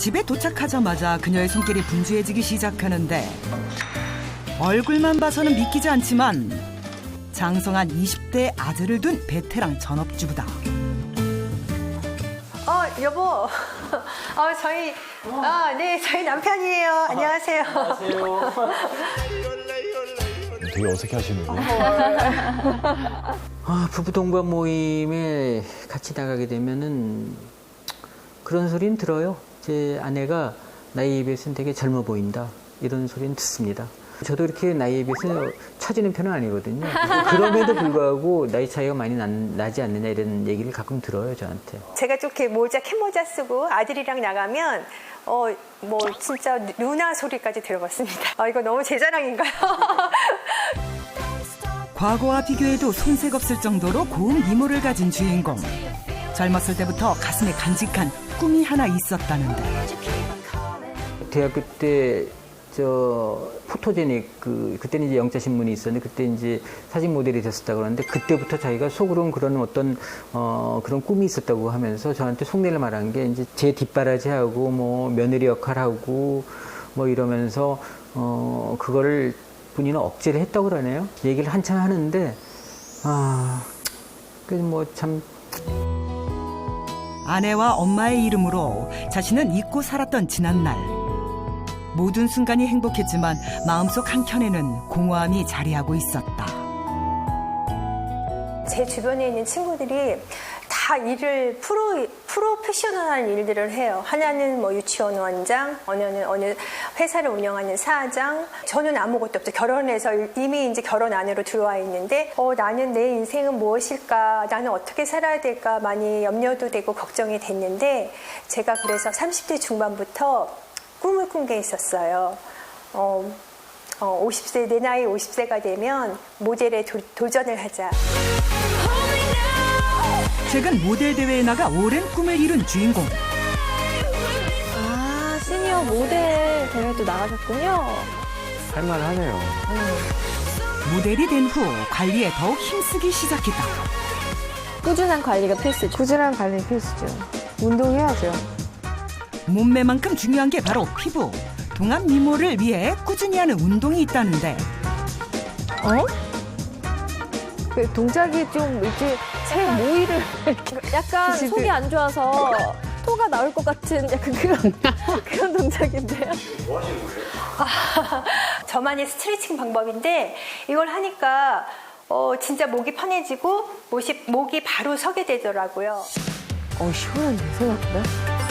집에 도착하자마자 그녀의 손길이 분주해지기 시작하는데 얼굴만 봐서는 믿기지 않지만 장성한 20대 아들을 둔 베테랑 전업주부다. 여보. 저희 남편이에요. 안녕하세요. 되게 어색해 하시는데. 부부 동반 모임에 같이 나가게 되면은 그런 소리는 들어요. 제 아내가 나이에 비해서는 되게 젊어 보인다. 이런 소리는 듣습니다. 저도 이렇게 나이에 비해서 처지는 편은 아니거든요. 그럼에도 불구하고 나이 차이가 많이 나지 않느냐 이런 얘기를 가끔 들어요, 저한테. 제가 좀 이렇게 캡모자 쓰고 아들이랑 나가면 진짜 누나 소리까지 들어봤습니다. 이거 너무 제 자랑인가요? 과거와 비교해도 손색 없을 정도로 고운 미모를 가진 주인공. 젊었을 때부터 가슴에 간직한 꿈이 하나 있었다는데. 대학교 때 포토제닉 그때는 이제 영자신문이 있었는데 그때 이제 사진 모델이 됐었다고 그러는데 그때부터 자기가 속으로는 그런 어떤 그런 꿈이 있었다고 하면서 저한테 속내를 말한 게 이제 제 뒷바라지하고 뭐 며느리 역할하고 뭐 이러면서 그거를 본인은 억제를 했다고 그러네요. 얘기를 한참 하는데 참. 아내와 엄마의 이름으로 자신은 잊고 살았던 지난날. 모든 순간이 행복했지만 마음속 한켠에는 공허함이 자리하고 있었다. 제 주변에 있는 친구들이 다 일을 프로페셔널한 일들을 해요. 하나는 유치원 원장, 어느 회사를 운영하는 사장. 저는 아무것도 없죠. 결혼해서 이미 이제 결혼 안으로 들어와 있는데 나는 내 인생은 무엇일까? 나는 어떻게 살아야 될까? 많이 염려도 되고 걱정이 됐는데 제가 그래서 30대 중반부터 꿈을 꾼 게 있었어요. 50세, 내 나이 50세가 되면 모델에 도전을 하자. 최근 모델 대회에 나가 오랜 꿈을 이룬 주인공. 시니어 모델 대회도 나가셨군요. 할만하네요. 모델이 된 후 관리에 더욱 힘쓰기 시작했다. 꾸준한 관리가 필수죠. 꾸준한 관리 필수죠. 운동해야죠. 몸매만큼 중요한 게 바로 피부. 동안 미모를 위해 꾸준히 하는 운동이 있다는데. 그 동작이 좀 이렇게 새 모이를 약간 집에. 속이 안 좋아서 토가 나올 것 같은 약간 그런 동작인데요. 뭐 하시는 거예요? 저만의 스트레칭 방법인데 이걸 하니까 진짜 목이 편해지고 목이 바로 서게 되더라고요. 시원한데 생각보다.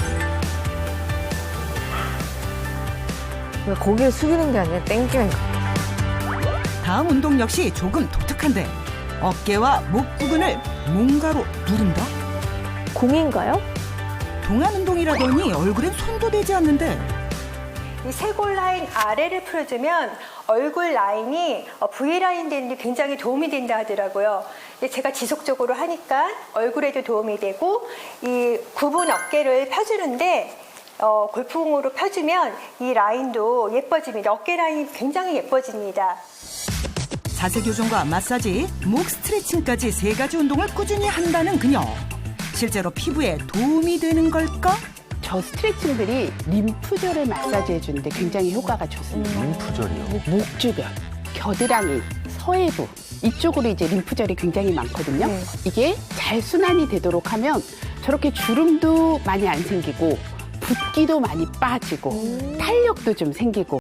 고개를 숙이는 게 아니라 땡기는 거. 다음 운동 역시 조금 독특한데 어깨와 목 부분을 뭔가로 누른다? 공인가요? 동안 운동이라더니 얼굴엔 손도 대지 않는데. 이 쇄골 라인 아래를 풀어주면 얼굴 라인이 V라인 되는 데 굉장히 도움이 된다 하더라고요. 근데 제가 지속적으로 하니까 얼굴에도 도움이 되고 이 굽은 어깨를 펴주는데 골프공으로 펴주면 이 라인도 예뻐집니다. 어깨 라인이 굉장히 예뻐집니다. 자세 교정과 마사지, 목 스트레칭까지 3가지 운동을 꾸준히 한다는 그녀. 실제로 피부에 도움이 되는 걸까? 저 스트레칭들이 림프절을 마사지 해주는데 굉장히 효과가 좋습니다. 림프절이요? 목주변, 겨드랑이, 서해부 이쪽으로 이제 림프절이 굉장히 많거든요. 이게 잘 순환이 되도록 하면 저렇게 주름도 많이 안 생기고 붓기도 많이 빠지고 탄력도 좀 생기고